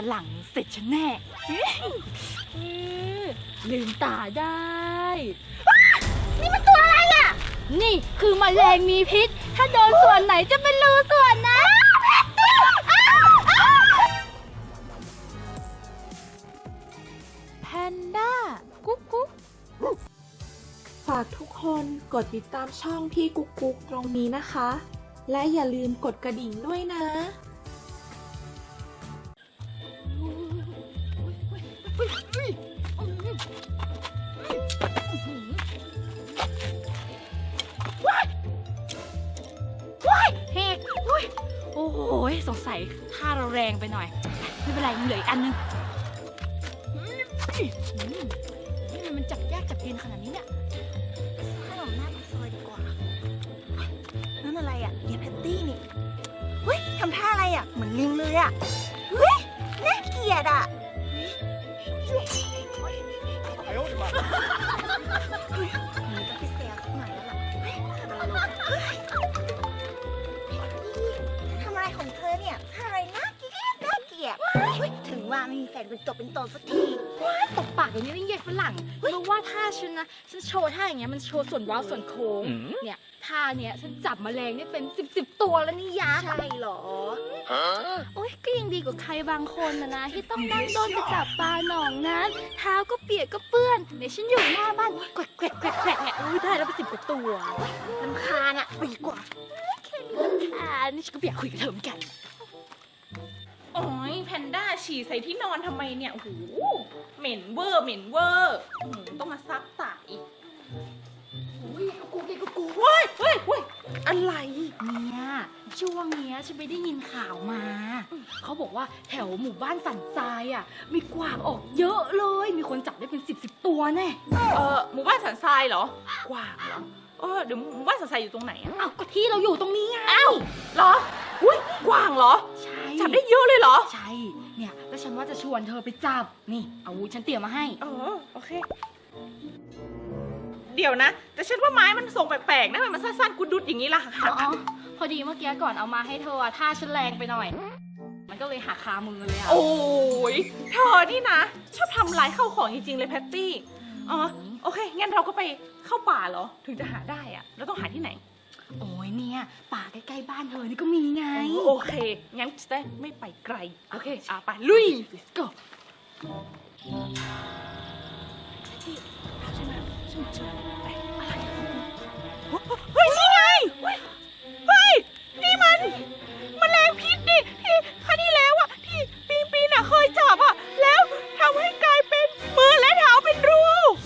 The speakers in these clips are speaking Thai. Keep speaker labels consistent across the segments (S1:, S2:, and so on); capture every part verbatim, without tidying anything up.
S1: รั่งเสร็จฉันแน่ลืมตาได้นี่มันตัวอะไรอ่ะนี่คือแมลงมีพิษถ้าโดนส่วนไหนจะเป็นรูส่วนนั้นแพนด้ากุ๊กกุ๊ก
S2: ฝากทุกคนกดติดตามช่องพี่กุ๊กกุ๊กตรงนี้นะคะ และอย่าลืมกดกระดิ่งด้วยนะ
S1: เฮกโอ้โหสงสัยท่าเราแรงไปหน่อยไม่เป็นไรมันเหลืออีกอันนึงนี่มันจับยากจับเย็นขนาดนี้เนี่ยขนมหน้าปากซอยดีกว่านั่นอะไรอ่ะเยแพตตี้นี่เฮ้ยทำท่าอะไรอ่ะเหมือนลิงเลยอ่ะเฮ้ยน่าเกลียดอ่ะเฮ้ยต้องไปแซวสักหน่อยแล้วล่ะทำอะไรของเธอเนี่ยอะไรน่าเกลียดน่าเกลียดถึงว่าไม่มีแฟนเป็นตบเป็นตนสักทีว้าตบปากอย่างนี้นี่เย็ดฝรั่งรู้ว่าท่าฉันนะฉันโชว์ท่าอย่างเงี้ยมันโชว์ส่วนว้าวส่วนโค้งเนี่ยท่าเนี้ยฉันจับแมลงนี่เป็นสิบสิบตัวแล้วนี่ยะใช่หรอโอ๊ยก็ยังดีกว่าใครบางคนนะนะที่ต้องนั่งโดนไปจับปลาหนองนั้นเท้าก็เปียกก็เปื้อนเดี๋ยวฉันอยู่หน้าบ้านแกวกแกวกแกวกแกวกเนี่ยอุ้ยได้แล้วเป็นสิบกว่าตัวลำคาญอ่ะไปดีกว่าแค่นี้ลำคาญนี่ฉันก็อยากคุยกับเธอเหมือนกัน
S3: โอ้ยแพนด้าฉี่ใส่ที่นอนทำไมเนี่ยโอ้โหเหม็นเวอร์เหม็นเวอร์ต้องมาซักตากอีก
S1: อุ้ยกูเกกูกู
S3: เฮ้ยเฮ้ยเฮ้ยอะไร
S1: เนี่ยช่วงเนี้ยฉันไปได้ยินข่าวมาเขาบอกว่าแถวหมู่บ้านสันทรายอ่ะมีกวางออกเยอะเลยมีคนจับได้เป็นสิบสิบตัวแน่
S3: เออหมู่บ้านสันทรายเหรอกวางเหรอเออเดี๋ยวหมู่บ้านสันทรายอยู่ตรงไหนอ่ะ
S1: อ้าวก็ที่เราอยู่ตรงนี้ไง
S3: อ้าวเหรออุ้ยกวางเหรอ
S1: ใช่
S3: จับได้เยอะเลยเหรอ
S1: ใช่เนี่ยแล้วฉันว่าจะชวนเธอไปจับนี่อาวุธฉันเตรียมมาให้
S3: เออโอเคเดี๋ยวนะแต่ฉันว่าไม้มันทรงแปลกๆนะมันสั้นๆกุดดุดอย่างนี้ล่ะ
S1: อ๋อพอดีเมื่อกี้ก่อนเอามาให้เธอท่าฉันแรงไปหน่อยมันก็เลยหักคามือเลยอ่ะ
S3: โอ้ยเธอนี่นะชอบทำลายข้าวของจริงๆเลยแพตตี้อ๋อโอเคงั้นเราก็ไปเข้าป่าเหรอถึงจะหาได้อ่ะแล้วต้องหาที่ไหน
S1: โอ้ยเนี่ยป่าใกล้ๆบ้านเธอนี่ก็มีไง
S3: โอเคงั้นจะได้ไม่ไปไกลโอเคอ่ะไปลุย
S1: let's go
S3: เฮ้ยนี่ไงเฮ้ยนี่มันแมลงพิษนี่ที่ครั้งที่แล้วอ่ะที่ปีปีน่ะเคยจับอ่ะแล้วทำให้กลายเป็นมือและเท้าเป็นรู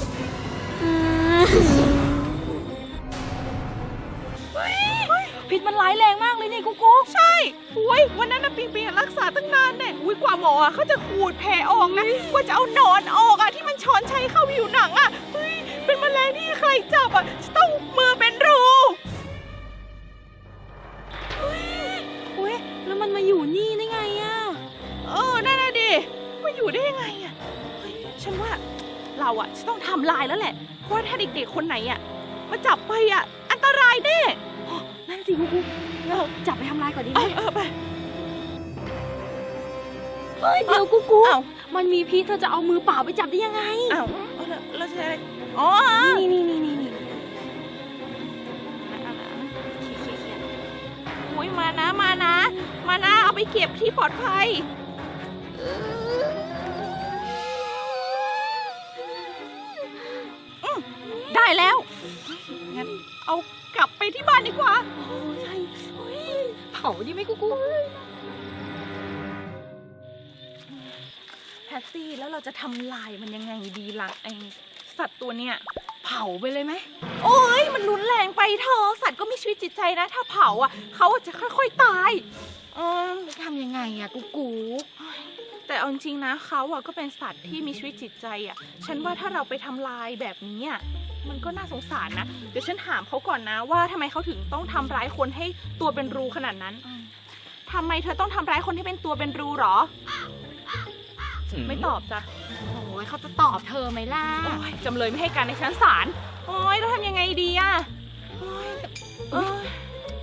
S1: พิษมันร้ายแรงมากเลยนี่กุ๊กกุ๊ก
S3: ใช่อุ้ยวันนั้นนะปีปีรักษาตั้งนานเนี่ยอุ้ยกว่าหมอเขาจะขูดแผลออกนะกว่าจะเอาหนอนออกอ่ะที่มันช้อนชัยเข้าผิวหนังอ่ะเฮ้ยเป็นแมลงที่ใครจับอ่ะจะต้องมือเป็นรู
S1: อุ้ยแล้วมันมาอยู่นี่ได้ไงอ่ะ
S3: เออนั่นน่ะดิมาอยู่ได้ยังไงอ่ะเฮ้ยฉันว่าเราอ่ะจะต้องทำลายแล้วแหละเพราะว่าถ้าเด็กๆคนไหนอ่ะมาจับไปอ่ะอันตรายแน่
S1: นั่นสิกุ๊กกุ๊กเราจับไปทำลายก่อนดีไหม
S3: เออไป
S1: เฮ้ยเดี๋ยวกุ๊กกุ๊กมันมีพิษเธอจะเอามือเปล่าไปจับได้ยังไง
S3: อ้าวแล้วใช่อ๋อ
S1: นี่นี่นี่นี่นี่
S3: โอ้ยมานะมานะมานะเอาไปเก็บที่ปลอดภัยได้แล้วงั้นเอากลับไปที่บ้านดีกว่า
S1: ใช่เผาดีไหมกุ๊กกุ๊ก
S3: แพตตี้แล้วเราจะทำลายมันยังไงดีล่ะไอสัตว์ตัวเนี้ย
S1: เผาไปเลยไหม
S3: โอ้ยมันรุนแรงไปเธอสัตว์ก็มีชีวิตจิตใจนะถ้าเผาอ่ะเขาจะค่อยๆตาย
S1: เออจะทำยังไงอ่ะกุ๊กกุ๊ก
S3: แต่เอาจริงๆนะเขาอ่ะก็เป็นสัตว์ที่มีชีวิตจิตใจอ่ะฉันว่าถ้าเราไปทำลายแบบนี้อ่ะมันก็น่าสงสารนะเดี๋ยวฉันถามเขาก่อนนะว่าทำไมเขาถึงต้องทำร้ายคนให้ตัวเป็นรูขนาดนั้นทำไมเธอต้องทำร้ายคนให้เป็นตัวเป็นรูหรอไม่ตอบจ้ะ
S1: โอ้ยเขาจะตอบเธอไหมล่ะ
S3: จำเลยไม่ให้การในชั้นศาลโอ้ยเราทำยังไงดีอ่ะโอ้ย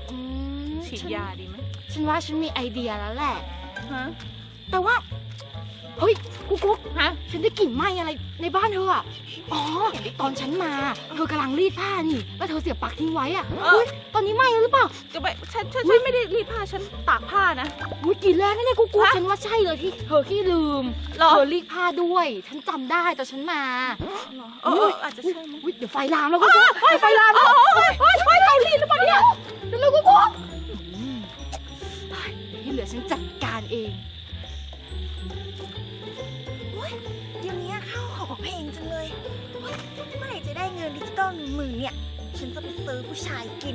S3: ฉีดยาดีไหม
S1: ฉันว่าฉันมีไอเดียแล้วแหละ
S3: ฮะ
S1: แต่ว่าเฮ้ยกุ๊กกุ๊ก
S3: ฮะ
S1: ฉันได้กลิ่นไหม้อะไรในบ้านเธออะอ๋อ ตอนฉันมา เธอกำลังรีดผ้านี่ แล้วเธอเสียบปลั๊กทิ้งไว้อะ
S3: เออ
S1: อุ้ยตอนนี้ไหม้แล้วหรือเปล่า
S3: จะไปฉันฉันฉันไม่ได้รีดผ้าฉันตากผ้านะ
S1: อุ้ยกลิ่นแรงนะเนี่ยกุ๊กกุ๊ก
S3: ฮะ
S1: ฉันว่าใช่เลยที่เธอขี้ลืม
S3: หรอ
S1: เธอรีดผ้าด้วย ฉันจำได้ตอนฉันมา
S3: เออเอออาจจะใช่มั้ง
S1: อุ๊ยเดี๋ยวไฟลามแล้วกุ๊กกุ๊กเดี๋ยวไฟลามแล้ว
S3: โอ้ยโอ้ยโอ้ยเรารีดหรือเปล่าเนี่ย
S1: เดี๋ยวเรากุ๊กกุ๊กอืมเฮ้ยเดี๋ยวที่เหลือฉันจัดการเอง
S4: เดี๋ยวนี้ข้าวของแพงจังเลยเฮ้ยเมื่อไหร่จะได้เงินดิจิตอลหนึ่งหมื่นเนี่ย ฉันจะไปซื้อผู้ชายกิน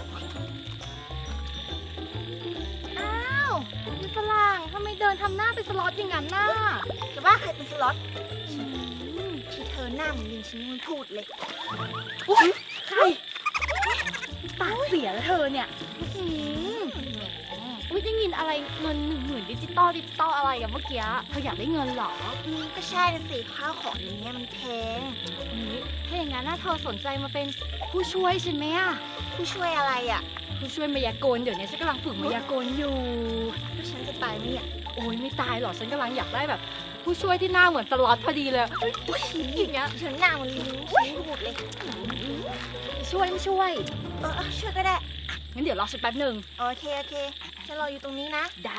S1: อ้าวมีฝรั่งทำไมเดินทำหน้าเป็นสล็อตอย่างนั้นน่ะ
S4: จะว่าใครเป็นสล็อต
S1: อืม
S4: ที่เธอหน้าเหมือนลิงฉันยังไม่พูดเลย
S1: อุ๊ยใครปากเสียแล้วเธอเนี่ยอืมอุ้ยได้ยินอะไรเงินหนึ่งหมื่นดิจิตอลดิจิตอลอะไรกันเมื่อกี้เธออยากได้เงินเหรอ
S4: อืมก็ใช่นะสิข้าวของเดี๋ยวนี้มันแพง
S1: อุ๊ยถ้าอย่างนั้นน่าเธอสนใจมาเป็นผู้ช่วยใช่ไหมอะ
S4: ผู้ช่วยอะไรอ่ะ
S1: ผู้ช่วยมายากลเดี๋ยวนี้ฉันกำลังฝึกมายากลอยู่
S4: แล้วฉันจะตายไหมเนี่ย
S1: โอ้ยไม่ตายหรอกฉันกำลังอยากได้แบบ ผู้ช่วยที่หน้าเหมือนสล็อตพอดีเลย
S4: อุ๊ยอย่างเงี้ยฉันหน้าเหมันลิงฉันไม่พูดเลย
S1: ช่วยไม่ช่วย
S4: เออเออช่วยก็ได้
S1: งั้นเดี๋ยวรอฉันแป๊บหนึ่ง
S4: โอเค โอเค ฉันรออยู่ตรงนี้นะ
S1: ได้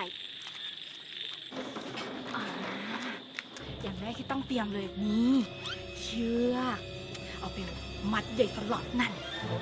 S1: อ่าอย่างแรกที่ต้องเตรียมเลยนี่เชือกเอาไปมัดใหญ่สล็อตนั่น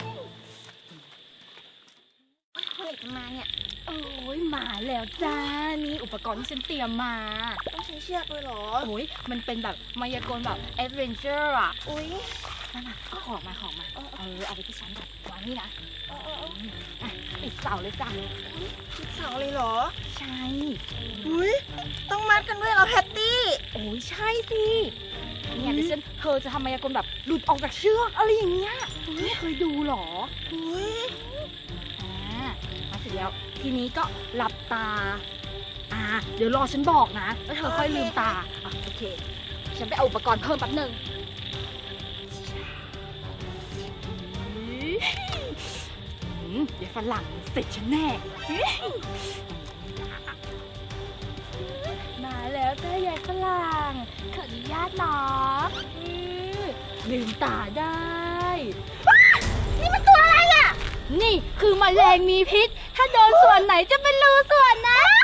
S4: เมื่อไหร่จะมาเนี่ย
S1: โอ้ยมาแล้วจ้านี่อุปกรณ์ที่ฉันเตรียมมา
S4: ต้องใช้เชือกเลยเหรอ
S1: โอ้ยมันเป็นแบบมายากลแบบแอดเวนเจอร์อ่ะ
S4: อุ๊ย
S1: นั่นน่ะเอาของมาของมาเออเอาไปที่ชั้นก่อนวางนี่นะ
S4: เออเออเออ
S1: อ่ะปิดเสาเลยจ้ะ
S4: คิดเสาเลยเหรอ
S1: ใช่
S4: อุ๊ย ต้องมัดกันด้วยเหรอแพตตี้
S1: โอ้ยใช่สิเนี่ยเดี๋ยวฉันเธอจะทำมายากลแบบหลุดออกจากเชือกอะไรอย่างเงี้ยไม่เคยดูหรอ
S4: อุ๊ย
S1: อ่ามาเสร็จแล้วทีนี้ก็หลับตา อ่า เดี๋ยวรอฉันบอกนะ แล้วเธอค่อยลืมตาอ่ะโอเค ฉันไปเอาอุปกรณ์เพิ่มแป๊บหนึงอืมเดี๋ยวฝรั่งเสร็จฉันแน่ มาแล้วจ้ายายฝรั่งขออนุญาตเนาะอือลืมตาได้ว้านี่มันตัวอะไรอ่ะ นี่คือแมลงมีพิษ ถ้าโดนส่วนไหนจะเป็นรูส่วนนั้น